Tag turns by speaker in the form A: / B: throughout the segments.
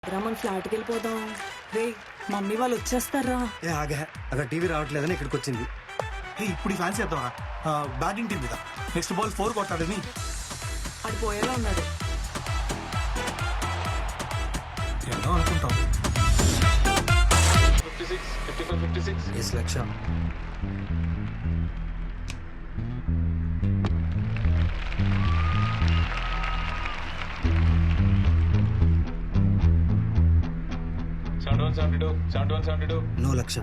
A: మన ఫ్లాట్కి వెళ్ళిపోదాం. రే మమ్మీ వాళ్ళు వచ్చేస్తారా?
B: ఏ ఆగా అక్కడ టీవీ రావట్లేదని ఇక్కడికి వచ్చింది.
C: ఇప్పుడు ఫ్యాన్స్ చేద్దామా? బ్యాటింగ్ టీం మీద నెక్స్ట్ బాల్ 4 కొట్టాడని
A: అది పోయేలా ఉన్నాడు.
C: ఎన్నో అనుకుంటాం.
B: 56 lakh. No lakh.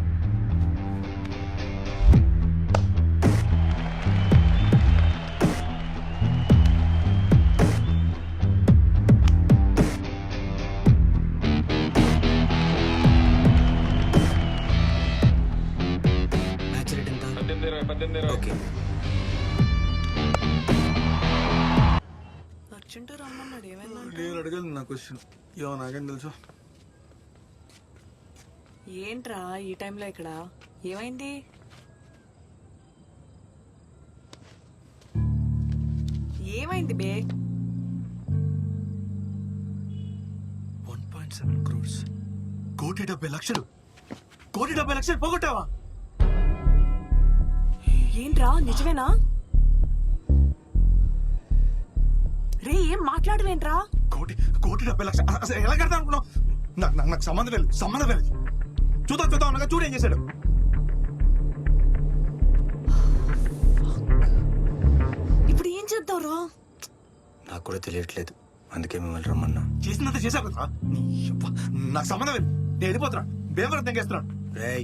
B: Match rate ఎంత? 18. ఓకే.
A: అర్జెంట్ రమ్మన్నాడు. ఏమైందంటే
C: నేను అడగాలి నా క్వశ్చన్. ఏమో నాకేం తెలుసు.
A: ఏంట్రా ఈ టైంలో ఇక్కడ ఏమైంది? ఏమైంది బే?
C: 1.7 crores. 1,70,00,000. 1,70,00,000 పోగొట్టావా?
A: ఏంట్రా నిజమేనా? రే ఏం మాట్లాడవేంట్రా?
C: 1,70,00,000 అసలు ఎలా కడతా అనుకున్నావు? నాకు సంబంధం లేదు. చూద్దాం అనగా చూడు ఏం చేశాడు.
A: ఇప్పుడు ఏం చేద్దాంరా?
B: నాకు కూడా తెలియట్లేదు, అందుకే మిమ్మల్ని రమ్మన్నా.
C: చేసినంత చేశావు కదా. నాకు సంబంధం లేదు. నేను వెళ్ళిపోతున్నా. బేవరం తెంగేస్తున్నాను.
B: రేయ్,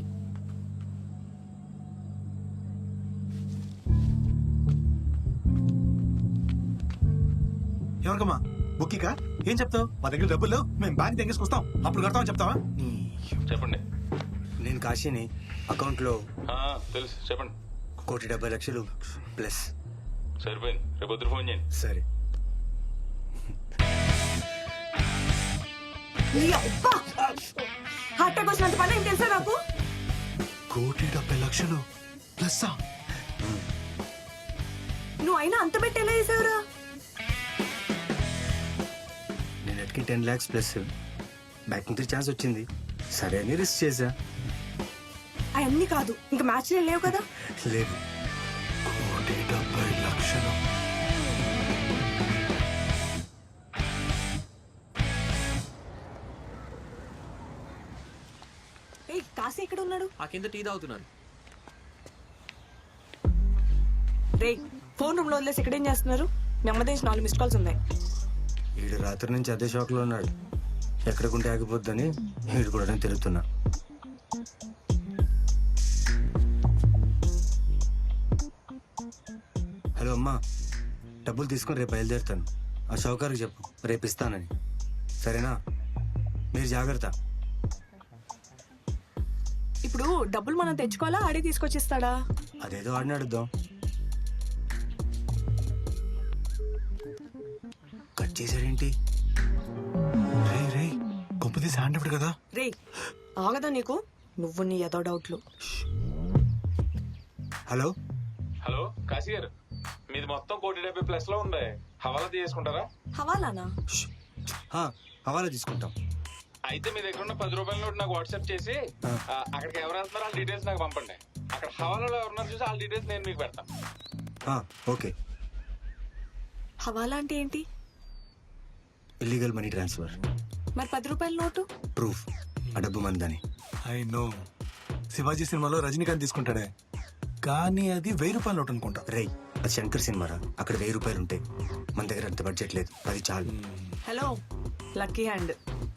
C: ఎవరికమ్మా? బుక్కికా? ఏం చెప్తావు? మా దగ్గర డబ్బులు లేవు, మేము బ్యాంక్ తెంగేసుకొస్తాం, అప్పుడు కడతామని చెప్తావా?
D: చెప్పండి.
B: నేను కాశీని. అకౌంట్లో
D: తెలుసు, చెప్పండి.
B: 1,70,00,000 ప్లస్.
D: సరిపోయింది, రేపు పొద్దున ఫోన్ చేయండి.
B: సరే.
A: హార్ట్ అటాక్ వచ్చినంత పని ఏం తెలుసా నాకు?
C: 1,70,00,000 ప్లస్.
A: నువ్వు అయినా అంత పెట్టి ఎలా చేసావురా?
B: నేను ఎట్కి 10 lakhs ప్లస్ బ్యాక్ నుంచి ఛాన్స్ వచ్చింది, సరే అని రిస్క్ చేశా.
A: అవన్నీ కాదు, ఇంకా మ్యాచ్ లేవు కదా.
B: లేదు.
C: 1,70,00,000.
A: ఏయ్ కాశీ ఎక్కడ ఉన్నాడు?
E: ఆ కింద టీ తాగుతున్నాను.
A: రే ఫోన్ రూమ్ లో వదిలేసి ఎక్కడేం చేస్తున్నారు? మీ అమ్మ నుంచి 4 మిస్ కాల్స్ ఉన్నాయి.
B: వీడు రాత్రి నుంచి అదే షాక్ లో ఉన్నాడు. ఎక్కడికుంటే ఆగిపోద్దని వీడు కూడా నేను తిరుగుతున్నా. హలో అమ్మా, డబ్బులు తీసుకొని రేపు బయలుదేరుతాను. ఆ షౌకార్కి చెప్పు రేపు ఇస్తానని, సరేనా? మీరు జాగ్రత్త.
A: ఇప్పుడు డబ్బులు మనం తెచ్చుకోవాలా, ఆడే తీసుకొచ్చిస్తాడా?
B: అదేదో ఆడిని అడుద్దాం. కట్ చేశాడేంటి?
C: రే గొప్పది హ్యాండ్ ఇవ్వడు కదా.
A: రే ఆగదా నీకు? నువ్వు నీ ఏదో డౌట్లు.
B: హలో
D: హలో కాశీ గారు, మీది మొత్తం 1,70,00,000 లో ఉంది. హవాలా తీసుకుంటారా?
A: హవాలానా?
B: హవాలా తీసుకుంటాం.
D: అయితే మీ దగ్గర ఉన్న 10 రూపాయల నోట్ నాకు వాట్సాప్ చేసి అక్కడికి ఎవరు వెళ్తున్నారో వాళ్ళ డీటెయిల్స్ నాకు పంపండి. అక్కడ హవాలాలో ఎవరున్నారు చూసి వాళ్ళ డీటెయిల్స్ నేను మీకు పెడతాను.
B: ఓకే.
A: హవాలా అంటే ఏంటి?
B: Illegal money transfer.
A: మరి 10 రూపాయల నోటు?
B: ప్రూఫ్ ఆ డబ్బు మందని.
C: ఐ నో, శివాజీ సినిమాలో రజనీకాంత్ తీసుకుంటాడే, కానీ అది 1,000 రూపాయల నోట్ అనుకుంటా.
B: రేయ్, అది శంకర్ సినిమారా, అక్కడ 1,000 రూపాయలు ఉంటాయి. మన దగ్గర అంత బడ్జెట్ లేదు, అది చాలు.
A: Hello lucky hand.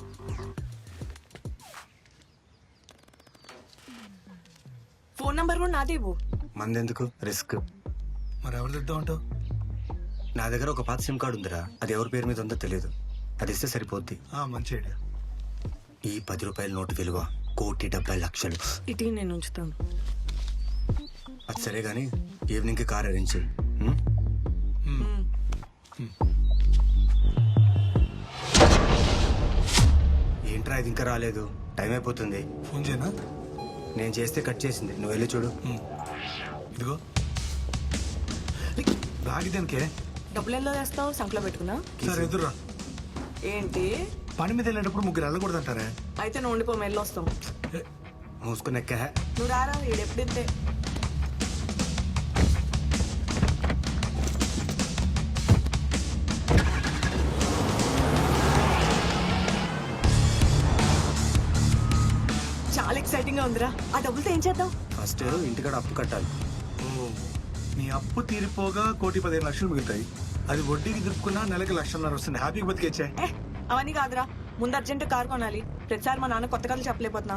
A: Phone number కూడా నాదేవు.
B: మందెందుకు రిస్క్?
C: మరి ఎవరు తెద్దాం అంటావు?
B: నా దగ్గర ఒక పాత సిమ్ కార్డు ఉందిరా, అది ఎవరి పేరు మీద ఉందో తెలియదు. అది ఇస్తే సరిపోద్ది.
C: మంచి ఐడియా.
B: ఈ 10 రూపాయల నోటు విలువ 1,70,00,000.
A: ఇటీ నేను ఉంచుతాను.
B: అది సరే గానీ ఈవినింగ్ కి కార్ అరేంజ్ చేయి. ఏంట్రా ఇది ఇంకా రాలేదు? టైం అయిపోతుంది.
C: ఫోన్ చేయనా?
B: నేను చేస్తే కట్ చేసింది, నువ్వు వెళ్ళి చూడు.
C: ఇదిగో బ్యాగ్ దేనికే?
A: డబ్బులు ఎలా వేస్తావు? సంకలో పెట్టుకున్నా?
C: సరే ఎదురా.
A: ఏంటి
C: పని మీద వెళ్ళేటప్పుడు ముగ్గురు వెళ్ళకూడదు అంటారే.
A: అయితే నువ్వు ఉండిపో, మెల్లి వస్తాం.
B: మూసుకుని ఎక్క
A: నువ్వు రారా, ఈడెప్పుడింతే. చాలా ఎక్సైటింగ్ గా ఉందిరా. ఆ డబ్బులతో ఏం చేద్దాం?
B: ఫస్ట్ ఇంటికాడ అప్పు కట్టాలి.
C: నీ అప్పు తీరిపోగా 1,15,00,000 మిగులుతాయి. అది వడ్డీకి దిప్పుకున్నా నెలకి 1,00,000 వస్తుంది. హ్యాపీగా బతికేచ్చే.
A: అవన్నీ కాదురా, ముందు అర్జెంట్ కార్ కొనాలి. ప్రతిసారి మా నాన్న కొత్త కథలు చెప్పలేకపోతున్నా.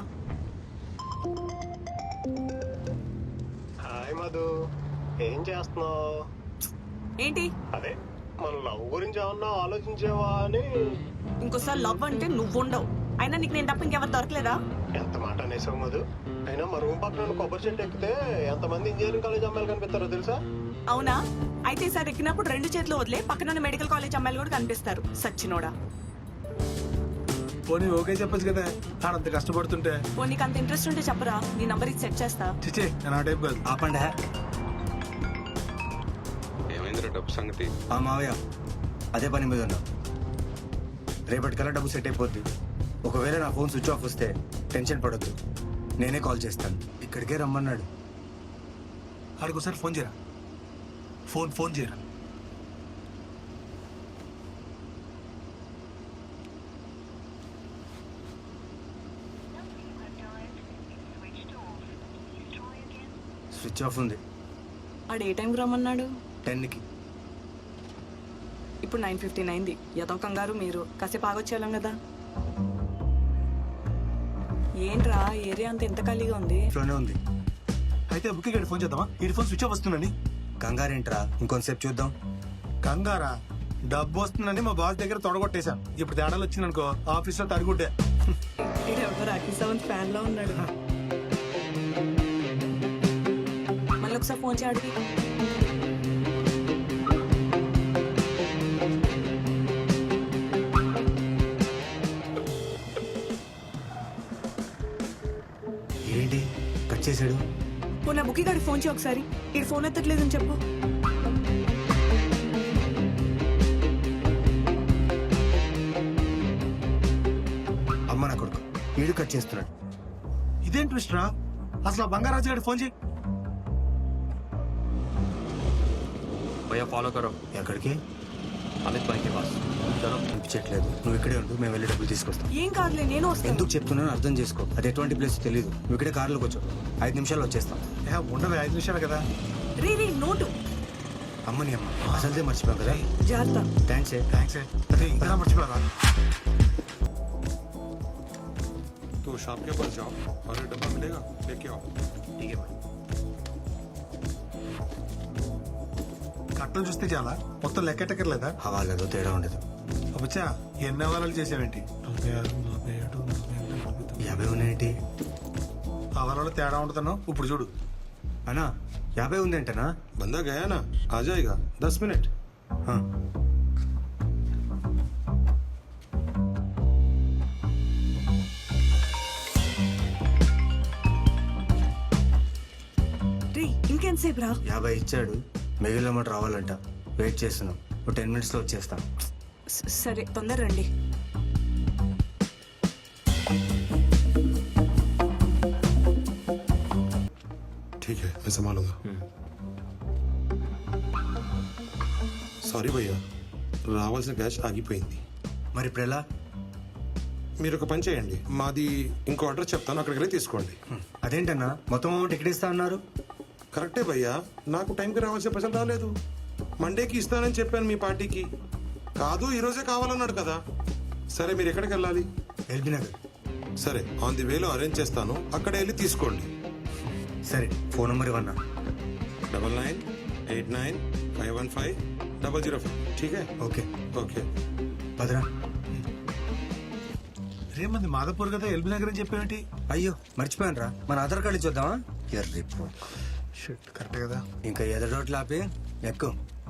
E: హాయ్ మధు, ఏం చేస్తున్నావు?
A: ఏంటి
E: అదే మన లవ్ గురించి ఏమన్నా ఆలోచించేవా అని.
A: ఇంకోసారి లవ్ అంటే నువ్వు ఉండవు. అయినా నీకు నేను తప్ప ఇంకెవరు దొరకలేదా?
E: ఎంత మాట అనేసావు మధు. అయినా మా రూమ్ పక్కన కొబ్బరి చెట్టు ఎక్కితే ఎంతమంది ఇంజనీరింగ్ కాలేజ్ అమ్మాయిలు కనిపిస్తారో తెలుసా?
A: అవునా? అయితే ఈసారి ఎక్కినప్పుడు 2 చేతులు వదిలే, పక్కన మెడికల్ కాలేజ్ అమ్మాయిలు కూడా కనిపిస్తారు. సచ్చినోడా.
C: పోనీ ఓకే చెప్పచ్చు కదా, ఆడంత కష్టపడుతుంటే.
A: ఓ నీకు అంత ఇంట్రెస్ట్ ఉంటే చెప్పరా, నీ నంబర్ ఇది సెట్ చేస్తా.
C: చిచ్చే నేను ఆ టైప్ కాదు.
B: ఆపండి.
D: ఏమైందిరా డబ్బు సంగతి?
B: ఆ మావయ్య అదే పని మీద ఉన్నా. రేపటికల్లా డబ్బు సెట్ అయిపోద్ది. ఒకవేళ నా ఫోన్ స్విచ్ ఆఫ్ వస్తే టెన్షన్ పడొద్దు, నేనే కాల్ చేస్తాను. ఇక్కడికే రమ్మన్నాడు.
C: ఆడికి ఒకసారి ఫోన్ చేయరా. ఫోన్ చేయరా.
B: స్విచ్ ఆఫ్ ఉంది.
A: ఆడు ఏ టైంకి రమ్మన్నాడు?
B: 10కి.
A: ఇప్పుడు 9:15 అయింది. ఏదో కంగారు మీరు. కాసేపు ఆగొచ్చేయాలం కదా. ఏంట్రా ఏరియా అంతా ఎంత ఖాళీగా ఉంది?
B: ఇంట్లోనే ఉంది.
C: అయితే బుక్కి గడి ఫోన్ చేద్దామా? ఈ ఫోన్ స్విచ్ ఆఫ్ వస్తుందండి.
B: కంగారేంట్రా, ఇంకొంతసేపు చూద్దాం.
C: కంగారా? డబ్బు వస్తుందని మా బాస్ దగ్గర తొడగొట్టేశాం. ఇప్పుడు తేడాలు వచ్చిందనుకో ఆఫీస్లో తరుగుడ్డే.
A: ఎవరు అఖిల్ ఫ్యాన్ లో ఉన్నాడు. మళ్ళీ ఒకసారి ఫోన్ చేయడికి.
B: ఏంటి కట్ చేసాడు?
A: ఓ నా బుక్కి గారికి ఫోన్ చేయి ఒకసారి. ఈ ఫోన్ ఎత్తట్లేదని చెప్పు.
B: అమ్మ నా కొడుకు వీడు కట్ చేస్తున్నాడు.
C: ఇదేం ట్విస్ట్ రా? అసలు ఆ బంగారాజు గారి ఫోన్ చేయి.
F: भैया फॉलो करो
B: ఎక్కడికి?
F: अमित भाई के पास चलो।
B: అనిపించట్లేదు. నువ్వు ఇక్కడే ఉండు, మేము వెళ్ళి డబ్బులు తీసుకొస్తాం.
A: ఏం కాదులే, నేను వస్తాను.
B: ఎందుకు చెప్తున్నానో అర్థం చేసుకో. అది ఎటువంటి ప్లేస్ తెలియదు. నువ్వు ఇక్కడే కార్లోకి వచ్చావు. 5 నిమిషాల్లో వచ్చేస్తాం.
C: ఉండదు 5 నిమిషాలు కదా.
A: రీ నోటు.
B: అమ్మని అమ్మ అసలుదే మర్చిపోయాం కదా.
A: జాగ్రత్త.
B: థ్యాంక్స్.
C: థ్యాంక్స్. అదే ఇంకా మర్చిపోయారా?
G: तो शॉप के पास जाओ और ये डब्बा मिलेगा, लेके आओ।
B: ठीक है भाई.
C: కట్టలు చూస్తే చాలా, మొత్తం లెక్కెట్టక్కర్లేదా?
B: హవాలేదో తేడా ఉండదు.
C: అబ్బచ్చా ఎన్ని అవారాలు చేసావేంటి?
B: 50 ఉన్నాయేంటి?
C: అవారాలు తేడా ఉంటుందను ఇప్పుడు చూడు.
B: అన్నా 50 ఉందేంటనా?
G: बंदा गया ना, आ जाएगा 10 मिनट।
B: हाँ.
A: రీ ఇంకెంతసేపు రా?
B: 50 ఇచ్చాడు. మిగిలిన అమౌంట్ రావాలంట. వెయిట్ చేస్తున్నాం. ఒక 10 minutes లో వచ్చేస్తాం.
A: సరే తొందర రండి.
G: ठीक है, मैं संभालूंगा। సారీ భయ్యా, రావాల్సిన క్యాష్ ఆగిపోయింది.
B: మరి ఇప్పుడు ఎలా?
G: మీరు ఒక పని చేయండి, మాది ఇంకో అడ్రస్ చెప్తాను, అక్కడికి వెళ్ళి తీసుకోండి.
B: అదేంటన్నా మొత్తం అమౌంట్ ఎక్కడ ఇస్తా అన్నారు?
G: కరెక్టే భయ్యా, నాకు టైంకి రావాల్సిన పైసలు రాలేదు. మండేకి ఇస్తానని చెప్పాను మీ పార్టీకి. కాదు ఈరోజే కావాలన్నాడు కదా. సరే మీరు ఎక్కడికి వెళ్ళాలి?
B: ఎల్బీ నగర్.
G: సరే ఆన్ ది వేలో అరేంజ్ చేస్తాను, అక్కడే వెళ్ళి తీసుకోండి.
B: సరే ఫోన్ నెంబర్ ఇవ్వన్నా.
G: 9989155005. ठीक है?
B: Okay
G: okay.
B: భద్రా.
C: రేమంది మాధపూర్ కదా, ఎల్బీ నగర్ అని చెప్పేవేంటి?
B: అయ్యో మర్చిపోయాను రా. మన ఆధార్ కార్డు ఇచ్చేద్దామా? ఎర్రి
C: షిట్, కరెక్టే కదా.
B: ఇంకా ఎదరోట్లు ఆపి ఎక్కువ